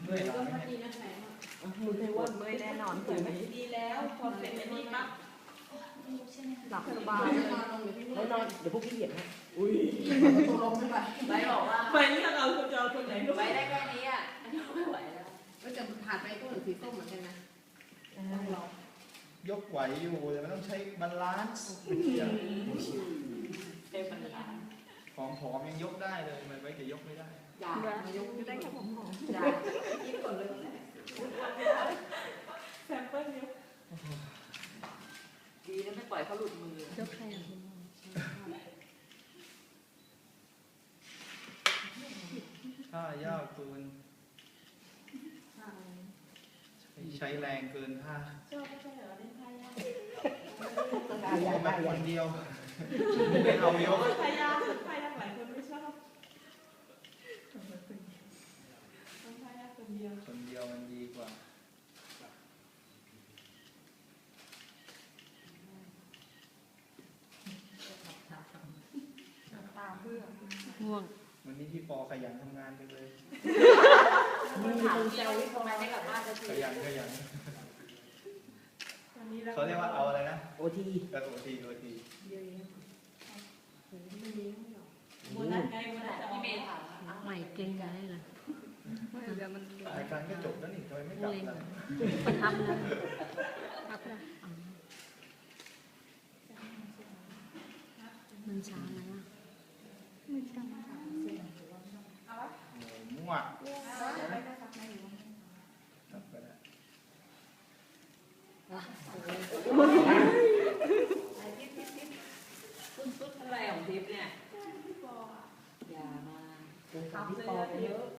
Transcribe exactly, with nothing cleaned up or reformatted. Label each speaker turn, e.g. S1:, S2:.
S1: เมื่อยหลั
S2: ก็
S1: งไหม
S2: พอดี
S1: เนี่ย
S2: นะแผล
S3: มือเทวดเมื่อยแน่นอนคืนนี้
S2: ดีแล้วพอเสร็จแล้วนี่ปั๊บ
S3: หลับสบาย
S2: นอนลงเดี๋ยวพี่
S3: ไม่นอนเดี๋ยวพวกพี่เหยียบให้อุ้ย
S2: ตกลงไม่ไป
S4: ไว้บอกว่า
S2: ไปนี่เราคุณจะเอาคนไหนดู
S4: ไว้ได้แค่นี้อ่ะอันนี้ไม่ไหวแล้ว
S2: ก็จะผ่านไปก็เหมือนสีส้มเหมือนกันนะต้องรอย
S1: กไหวอยู่แต่มันต้องใช้บาลานซ์
S4: เต็มมันละ
S1: ของผอมยังยกได้เลยมันไว้จะยกไม่ได้
S4: อย่า
S3: มายกได้แค่ผมหอม
S4: อย่ายิ่งกว่าเลย
S2: แซมเปิลนิ้ว
S4: ดีนะไม่ปล่อยเขาหลุดมือย
S3: กใครอ่ะ
S1: ถ้ายากเกินใช้แรงเกินท่า
S2: ชอบไม่ใช่เหรอเล่นไพ่ยาก
S1: เอาแบบคนเดียวไม่เอายก
S2: ไพ่ยากไพ่ยากหลายคนไม่ชอบต้องไพ่ยากคนเดียว
S1: คนเดียวมันดีกว่า
S3: ตาเพื่อง่วง
S1: วันนี้พี่ปอขยันทำงานจังเลย
S4: มันถามเซลล์ทำไมไม่กลับบ้านจะ
S1: ข
S4: ที
S1: ยันขยัน
S2: วันนี้เรา
S1: เขาเรียกว่าเอาอะไรนะ
S3: โอที
S1: กระโดดทีโอที
S2: เยอะแยะไม่มีไม่หรอกวันนั้นไงวันนั้นจะ
S4: พี่
S2: พี่
S4: เม
S2: เม
S4: ย์
S2: ย์
S4: ถาม
S3: ใหม่เก่งได้เลยเดี๋ยวมัน
S1: รายการก็จบแล้วนี่ทำไมไม่กลับล่ะ
S3: ประทับเลยทับเลยมันช้าไหมล่ะไม่ช้า
S1: โอ้มั่วครับก็ได้
S4: อะไรของทิพย์เนี่ยอย่ามา
S3: เป็นคำที่ปอไปเยอะ